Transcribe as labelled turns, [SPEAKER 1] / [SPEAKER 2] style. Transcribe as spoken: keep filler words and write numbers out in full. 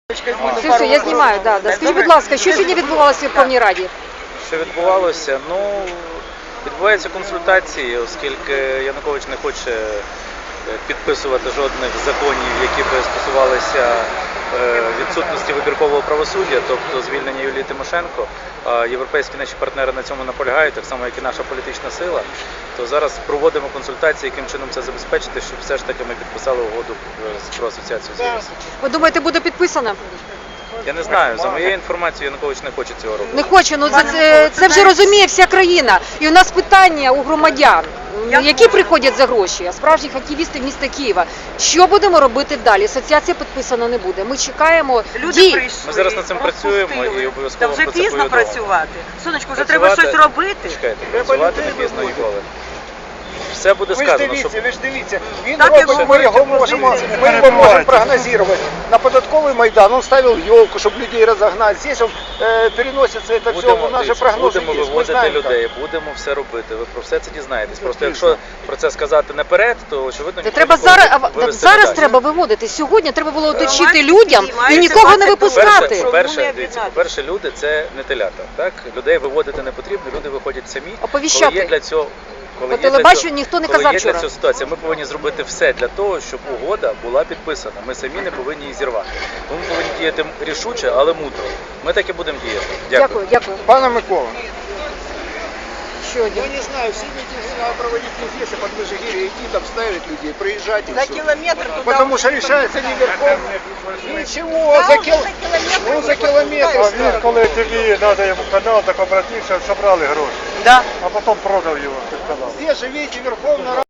[SPEAKER 1] Все, я знімаю, да, да. Скажіть, будь ласка, що сьогодні відбувалося в Верховній Раді?
[SPEAKER 2] Що відбувалося? Ну, відбуваються консультації, оскільки Янукович не хоче підписувати жодних законів, які би стосувалися відсутності вибіркового правосуддя, тобто звільнення Юлії Тимошенко. А європейські наші партнери на цьому наполягають, так само, як і наша політична сила. То зараз проводимо консультації, яким чином це забезпечити, щоб все ж таки ми підписали угоду про асоціацію з ЄС.
[SPEAKER 1] Ви думаєте, буде підписано?
[SPEAKER 2] Я не знаю, за моєю інформацією, Янукович не хоче цього робити.
[SPEAKER 1] Не хоче, ну це, це вже розуміє вся країна. І у нас питання у громадян, які приходять за гроші, а справжніх активістів міста Києва. Що будемо робити далі? Асоціація підписана не буде. Ми чекаємо дій.
[SPEAKER 2] Ми зараз над цим працюємо і обов'язково
[SPEAKER 3] Та вже
[SPEAKER 2] про це
[SPEAKER 3] пізно
[SPEAKER 2] повідомимо.
[SPEAKER 3] працювати. Сонечко, вже треба щось робити.
[SPEAKER 2] Чекайте, працювати не пізно ніколи. Все буде
[SPEAKER 4] Ви ж
[SPEAKER 2] сказано,
[SPEAKER 4] дивіться,
[SPEAKER 2] щоб...
[SPEAKER 4] ви ж дивіться, він
[SPEAKER 3] Так,
[SPEAKER 4] робить,
[SPEAKER 3] якщо
[SPEAKER 4] ми його можемо, ми його можемо прогнозувати. На податковый Майдан он ставил елку, чтобы людей разогнать. Здесь он э, переносится это все,
[SPEAKER 2] Будемо,
[SPEAKER 4] у нас же
[SPEAKER 2] дивіться,
[SPEAKER 4] прогнозы
[SPEAKER 2] будемо
[SPEAKER 4] есть. Мы
[SPEAKER 2] виводити
[SPEAKER 4] знаем,
[SPEAKER 2] людей,
[SPEAKER 4] как.
[SPEAKER 2] будемо все робити. Ви про все це дізнаєтесь. Просто якщо про це сказати наперед, то очевидно
[SPEAKER 1] Це
[SPEAKER 2] ніхто
[SPEAKER 1] треба
[SPEAKER 2] ніколи
[SPEAKER 1] зараз, а,
[SPEAKER 2] вивести
[SPEAKER 1] зараз
[SPEAKER 2] не дасть.
[SPEAKER 1] треба виводити. Сьогодні треба було оточити
[SPEAKER 3] Громадські
[SPEAKER 1] людям
[SPEAKER 3] дії
[SPEAKER 1] і
[SPEAKER 3] мають
[SPEAKER 1] нікого не
[SPEAKER 3] займатися
[SPEAKER 1] випускати.
[SPEAKER 2] По-перше, по-перше,
[SPEAKER 3] Чому не
[SPEAKER 2] дивіться,
[SPEAKER 3] об'єднатися?
[SPEAKER 2] по-перше, люди це не телята, так? Людей виводити не потрібно, люди виходять самі.
[SPEAKER 1] Оповіщати.
[SPEAKER 2] Коли є для цього, коли
[SPEAKER 1] По
[SPEAKER 2] є для
[SPEAKER 1] телебаченню
[SPEAKER 2] цього-
[SPEAKER 1] ніхто не
[SPEAKER 2] коли
[SPEAKER 1] казав
[SPEAKER 2] є для
[SPEAKER 1] вчора.
[SPEAKER 2] цього ситуація, ми повинні зробити все для того, щоб угода була підписана. Ми самі не повинні її зірвати. Ми повинні діяти рішуче, але мудро. Ми так і будемо діяти. Дякую.
[SPEAKER 1] Дякую, дякую.
[SPEAKER 4] Пане Микола,
[SPEAKER 1] Ще один.
[SPEAKER 4] я не знаю, все митинги надо проводить не здесь, а под Межигирье, идти там ставить людей, проезжать и
[SPEAKER 3] За
[SPEAKER 4] все.
[SPEAKER 3] кілометр туди.
[SPEAKER 4] Потому что решается не верхом. Ничего, за, кил... ну, за километр.
[SPEAKER 5] А він, коли тобі треба йому канал, так обратився, зібрали гроші,
[SPEAKER 3] Да.
[SPEAKER 5] а потім продав його під канал.
[SPEAKER 4] Здесь же, видите, Верховная Рада.